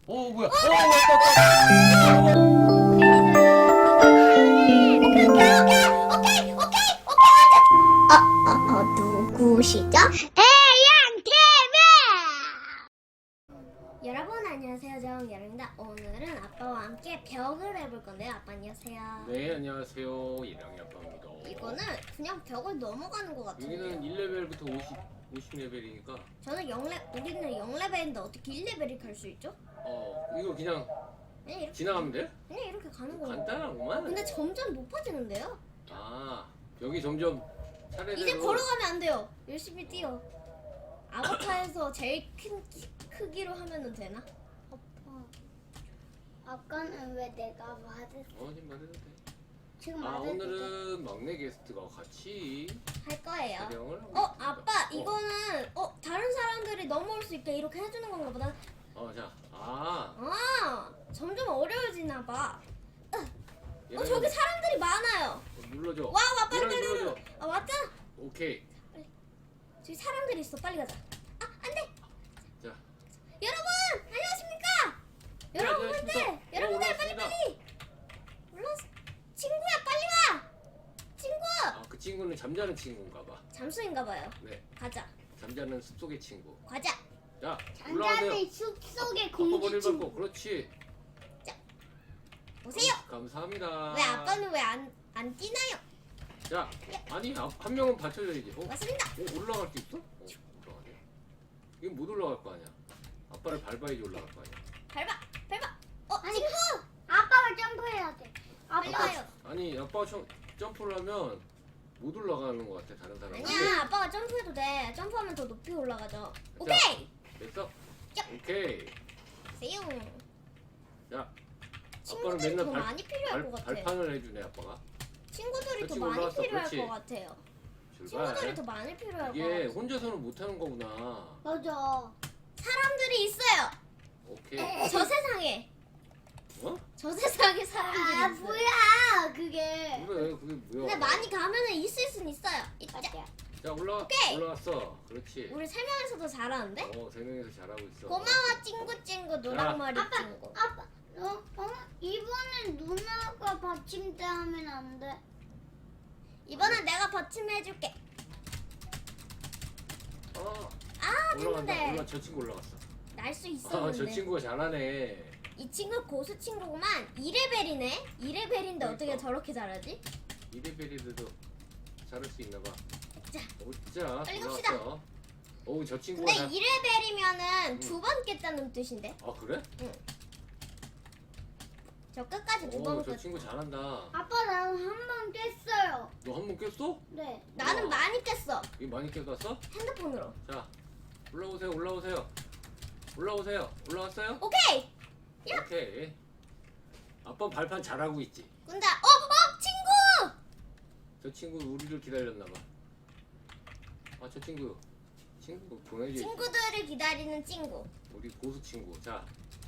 뭐야? 왔다. 누구시죠? 여러분 안녕하세요. 저는 예랑입니다. 오늘은 아빠와 함께 벽을 해볼 건데요. 아빠 안녕하세요. 네, 안녕하세요. 예랑이 아빠입니다. 이거는 그냥 벽을 넘어가는 것 같은데요. 여기는 1레벨부터 50레벨이니까 저는 우리는 0레벨인데 어떻게 1레벨이 갈 수 있죠? 이거 그냥 그냥 이렇게 지나가면 돼? 그냥 이렇게 가는 거예요. 간단하구만. 근데 점점 높아지는데요? 여기 점점 차례대로 이제 걸어가면 안 돼요. 열심히 뛰어. 아바타에서 제일 큰 크기로 하면은 되나? 아까는 왜 내가 맞을 지금 말해도 돼. 지금 맞을 오늘은 막내 게스트가 같이 할 거예요. 촬영을 하고 있습니다. 아빠 이거는 다른 사람들이 넘어올 수 있게 이렇게 해주는 건가 보다. 점점 어려워지나 봐. 얘랑이 저기 사람들이 많아요. 눌러줘. 와 빨리 얘랑이 빨리. 눌러줘. 왔잖아. 오케이. 저기 사람들이 있어. 빨리 가자. 안돼. 자, 여러분 안녕하십니까? 여러분들 빨리. 올라왔어. 친구야 빨리 와. 친구. 그 친구는 잠자는 친구인가 봐. 잠수인가 봐요. 네, 가자. 잠자는 숲속의 친구. 가자. 자, 올라가세요. 장자는 숲속의 머리를 공주친 밟고 그렇지. 오세요. 감사합니다. 왜 아빠는 왜 안 뛰나요? 자, 아니 한 명은 받쳐줘야지. 맞습니다. 올라갈 수 있어? 올라가네. 이건 못 올라갈 거 아니야. 아빠를 밟아야지 올라갈 거 아니야. 밟아. 아니, 친구. 아빠가 점프해야 돼. 빨리 아빠 와요. 아니 아빠가 점프를 하면 못 올라가는 것 같아 다른 사람. 아니야 아빠가 점프해도 돼. 점프하면 더 높이 올라가죠. 오케이. 됐어? 야. 오케이. 세요. 자, 아빠는 친구들이 맨날 더 많이 필요할 것 같아. 발판을 해주네 아빠가. 친구들이 더 그렇지, 많이 올라왔어. 필요할 그렇지. 것 같아요. 출발. 친구들이 더 많이 필요할 것 이게 같아. 혼자서는 못하는 거구나. 맞아. 사람들이 있어요. 오케이. 저 세상에. 저 세상에 사람들이 아 있어요. 뭐야 그게. 그래 그게 뭐야? 근데 많이 가면은 있을 순 있어요. 있자. 자 오케이. 올라왔어. 그렇지. 우리 세 명이서도 잘하는데? 세 명이서 잘하고 있어. 고마워 찡구 노랑머리 아빠 찡구. 아빠 이번엔 누나가 받침대 하면 안 돼. 이번엔 내가 받침해줄게. 올라간다. 됐는데 저 친구 올라갔어. 날 수 저 있었는데. 친구가 잘하네. 이 친구 고수 친구구만. 2레벨이네. 2레벨인데 어떻게 그러니까. 저렇게 잘하지? 이레벨이라도 잘할 수 있나 봐. 자, 자, 빨리 갑시다. 올라왔어. 저 친구가 근데 2레벨이면은 응. 두 번 깼다는 뜻인데. 그래? 저 끝까지 두 번 저 깼. 친구 잘한다. 아빠 나는 한 번 깼어요. 너 한 번 깼어? 네. 나는 우와. 많이 깼어. 이거 많이 깨갔어? 핸드폰으로. 자, 올라오세요. 올라왔어요? 오케이. 야. 오케이. 아빠 발판 잘하고 있지. 근데 친구. 저 친구 우리를 기다렸나 봐. 저 친구 보내줘. 친구들을 기다리는 친구. 우리 고수 친구. 자,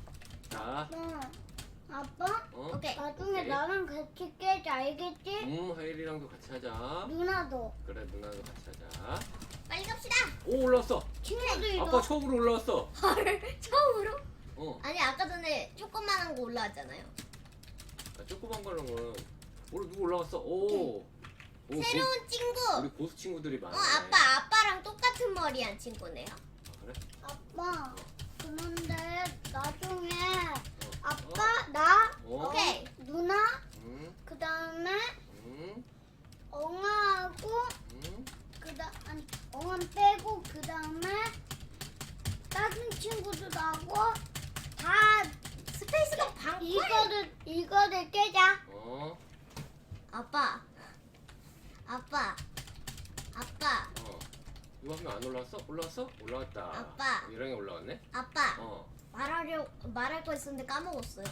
아빠 오케이. 나중에 오케이. 나랑 같이 깨자 알겠지? 하일이랑도 같이 하자. 누나도 그래, 누나도 같이 하자. 빨리 갑시다. 올라왔어. 친구들도 아빠 처음으로 올라왔어. 헐. 처음으로? 아니, 아니 아까 전에 조그만한 거 올라왔잖아요. 조그만 거는 누구 올라왔어? 새로운 친구. 우리 고수 친구들이 많아. 아빠랑 똑같은 머리한 친구네요. 그래? 아빠 그런데 나중에 아빠 나 오케이. 누나 응, 그 다음에 응, 엉아하고 응. 아니 엉아 빼고 그 다음에 다른 친구도 나고 다 스페이스가 방풀. 이거를 깨자. 아빠. 이거 한 명 안 올라왔어? 올라왔다. 아빠. 얘랑이 올라왔네? 아빠. 말할 거 있었는데 까먹었어요.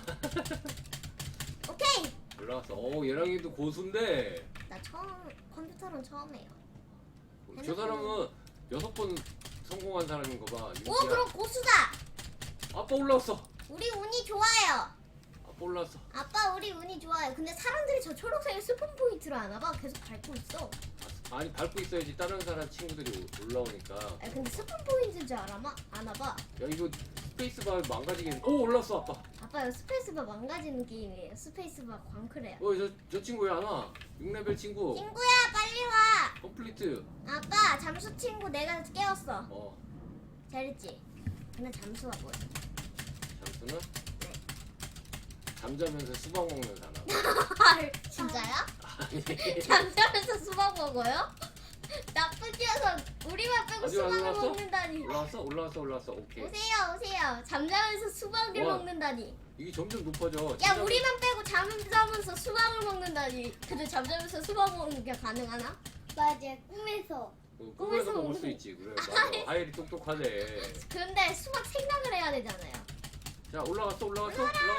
오케이. 올라왔어. 얘랑이도 고수인데. 나 컴퓨터는 처음이에요. 저 사람은 6번 성공한 사람인 거 봐. 오 그럼 고수다. 아빠 올라왔어. 우리 운이 좋아요. 아빠 올라왔어. 아빠 우리 운이 좋아요. 근데 사람들이 저 초록색 스폰 포인트로 안 와봐. 계속 밟고 있어. 아니 밟고 있어야지 다른 사람 친구들이 올라오니까. 아 근데 스폰 포인트인 줄 아나봐. 야 이거 스페이스바 망가지겠네. 오 올라왔어 아빠. 아빠 이거 스페이스바 망가지는 게임이에요. 스페이스바 광클해요. 저 친구 왜 안 와? 6레벨 친구. 친구야 빨리 와. 컴플리트. 아빠 잠수 친구 내가 깨웠어. 어 잘했지? 근데 잠수가 뭐야? 잠수는 네. 잠자면서 수박 먹는 사람. 진짜요? 아니 잠자면서 수박 먹어요? 나쁜 녀석 우리만 빼고 어디 수박을 올라왔어? 먹는다니. 올라왔어. 오케이. 오세요. 잠자면서 수박을 와. 먹는다니. 이게 점점 높아져. 야 진짜- 우리만 빼고 잠자면서 수박을 먹는다니. 근데 잠자면서 수박 먹는 게 가능하나? 맞아, 꿈에서. 꿈에서 꿈에서 먹을 수 먹는- 있지. 그래 맞아. 하일이 똑똑하네. 근데 수박 생각을 해야 되잖아요. 자 올라갔어. 오케이.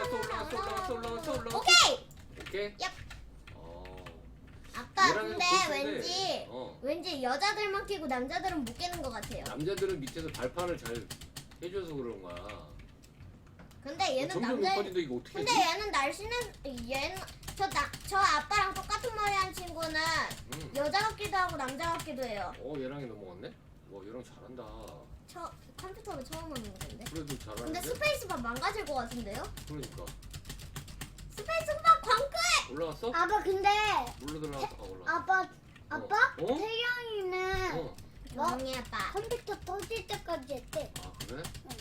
오케이. 얍. 어. 아빠 얘랑은 근데 고수인데, 왠지 여자들만 끼고 남자들은 못 끼는 것 같아요. 남자들은 밑에서 발판을 잘 해줘서 그런 거야. 근데 얘는 점점 남자. 높아진다 이거 어떻게 근데 하지? 얘는 날씬해. 얘는 저 아빠랑 똑같은 머리 한 친구는 여자 같기도 하고 남자 같기도 해요. 얘랑이 넘어갔네? 얘랑 잘한다. 저 컴퓨터로 처음 하는 건데. 그래도 근데 잘하는데? 스페이스바 망가질 것 같은데요? 그러니까 스페이스바 광클! 올라갔어? 아빠, 근데, 물로 들어갔어. 올라갔어. 아빠? 어? 태경이는 어? 조용히 아빠. 컴퓨터 터질 때까지 했대. 아 그래?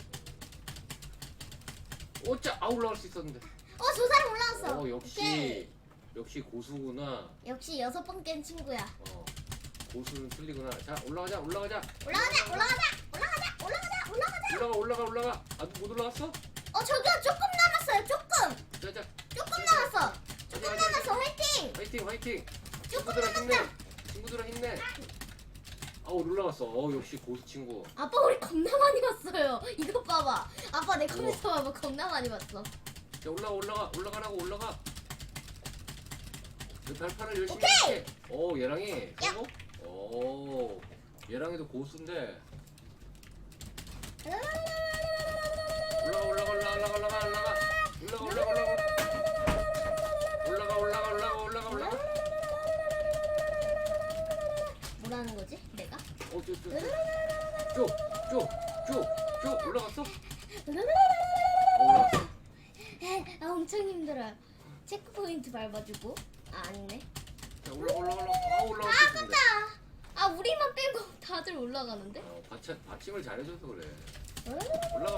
오짜 올라갈 수 있었는데. 저 사람 올라왔어. 역시 오케이. 역시 고수구나. 역시 6번 깬 친구야. 고수는 틀리구나. 자 올라가자. 올라가자. 올라가. 아직 못 올라갔어? 저기요 조금 남았어요. 조금 자자. 남았어. 조금 남았어. 화이팅. 화이팅. 조금 친구들아 힘내. 올라갔어. 역시 고수 친구. 아빠 우리 겁나 많이 봤어요. 이거 봐봐. 아빠 내 컴퓨터 봐봐. 겁나 많이 봤어. 자 올라가. 그 발판을 열심히 오케이! 해. 얘랑이 성공? 얘랑이도 고수인데. 올라가. 뭐라는 거지? 내가? 쭉 올라갔어? 엄청 힘들어요. 체크 포인트 밟아주고. 아니네. 자 올라갈 수 있는데. 우리만 빼고 다들 올라가는데? 받침을 잘해줘서 그래. 올라가.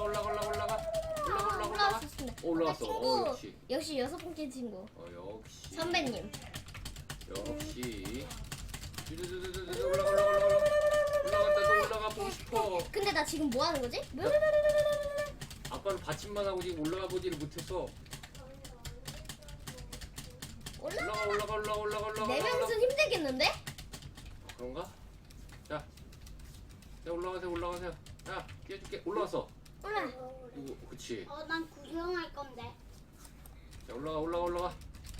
올라왔었습니다. 올라왔어. 친구. 역시. 역시 6번째 친구. 역시. 선배님. 역시. 올라가 보고 싶어. 근데 나 지금 뭐 하는 거지? 아빠는 받침만 하고 지금 올라가 보지를 못했어. 올라가. 네 명이서 힘들겠는데? 그런가? 자 올라가세요. 자 뛰어줄게. 올라왔어. 그치. 난 구경할 건데. 자 올라가.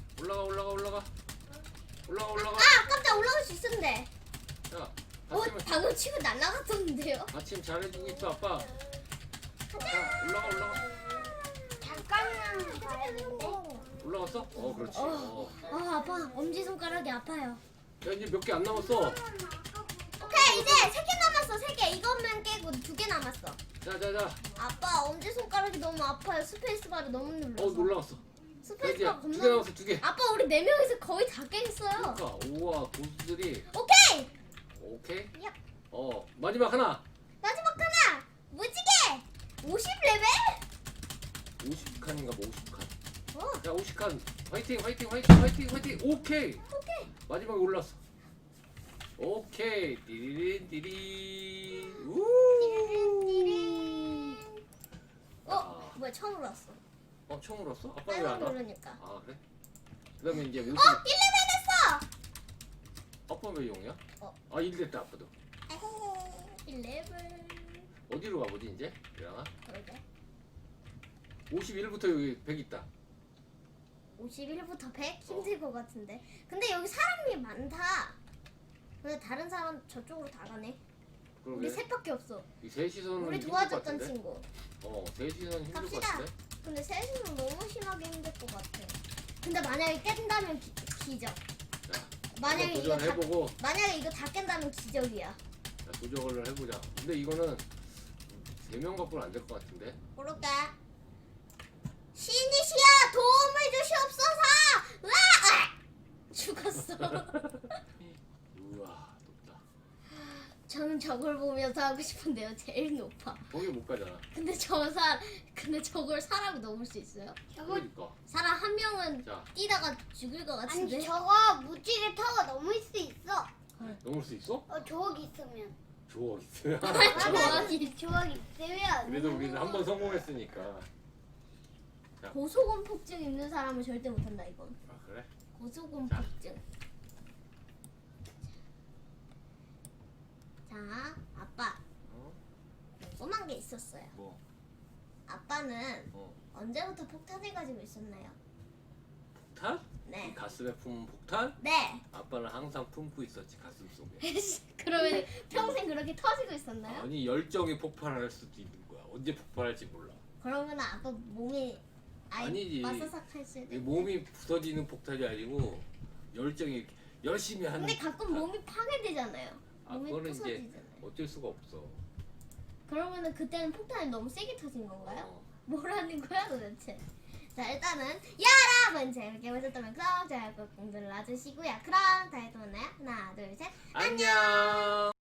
깜짝 올라갈 수 있었는데. 자 받침을 방금 치고 날아갔었는데요? 받침 잘해주고 있어 아빠. 자 올라가. 잠깐만 가야 되는데. 올라갔어? 그렇지. 아빠 엄지손가락이 아파요. 야 이제 몇 개 안 남았어. 오케이 이제 3개 남았어. 3개. 이것만 깨고 2개 남았어. 자. 아빠 엄지손가락이 너무 아파요. 스페이스바를 너무 눌러서. 올라갔어. 자 이제 스페이스바 2개 겁나. 남았어 2개. 아빠 우리 4명이서 거의 다 깼어요. 그러니까 우와 고수들이. 오케이. 오케이. 얍. 마지막 하나. 마지막 하나. 무지개. 50레벨? 50칸인가 50칸. 어. 야 50칸. 화이팅. 오케이. 마지막에 올랐어. 오케이. 띠리린. 우. 뭐야 처음 올랐어. 처음 올랐어? 아빠 왜 안 빨간 와? 누르니까. 그래? 그다음에 이제 50. 1레벨 됐어. 아빠 왜 0이야? 1 됐다 아빠도. 1레벨. 어디로 가보지 이제? 일어나. 그러게. 51부터 여기 100 있다. 51부터 100? 힘들 것 같은데. 근데 여기 사람이 많다. 근데 다른 사람 저쪽으로 다 가네. 우리 그러게. 셋밖에 없어. 이 셋이서는 우리 힘들 것 도와줬던 같은데? 친구. 셋이서는 힘들 것 갑시다. 같은데? 근데 셋이는 너무 심하게 힘들 것 같아. 근데 만약에 깬다면 기적. 자, 만약에 이거 다 도전해보고 만약에 이거 다 깬다면 기적이야. 자, 도전을 해보자. 근데 이거는 3명 갖고는 안 될 것 같은데. 그럴게. 신이시여 도움을 주시옵소서. 으아! 죽었어. 우와 높다. 저는 저걸 보면서 하고 싶은데요. 제일 높아. 거기 못 가잖아. 근데 저걸 사람이 넘을 수 있어요? 그러니까. 사람 한 명은 자 뛰다가 죽을 것 같은데. 아니 저거 무지개 타고 넘을 수 있어. 넘을 수 있어? 조각 있으면. 조각 있어요. 조각이. 조각 있으면. 그래도 우리는 한 번 성공했으니까. 고소공포증 있는 사람은 절대 못한다 이건. 아 그래? 고소공포증. 자, 아빠 어? 궁금한 게 있었어요. 뭐? 아빠는 어? 언제부터 폭탄을 가지고 있었나요? 폭탄? 네. 이 가슴에 품은 폭탄? 네. 아빠는 항상 품고 있었지 가슴 속에. 그러면 평생 그렇게 터지고 있었나요? 아니 열정이 폭발할 수도 있는 거야. 언제 폭발할지 몰라. 그러면 아빠 몸이 아니지. 마사삭할 수도 이 있고. 몸이 부서지는 폭탄이 아니고 열정이 이렇게 열심히 하는. 근데 가끔 몸이 파괴되잖아요. 아 몸이 그거는 이제 부서지잖아요. 어쩔 수가 없어. 그러면은 그때는 폭탄이 너무 세게 터진 건가요? 어. 뭐라는 거야 도대체? 자 일단은 여러분 재밌게 보셨다면 구독, 좋아요 꾹 눌러주시고요. 그럼 다음에 또 만나요. 하나 둘 셋. 안녕.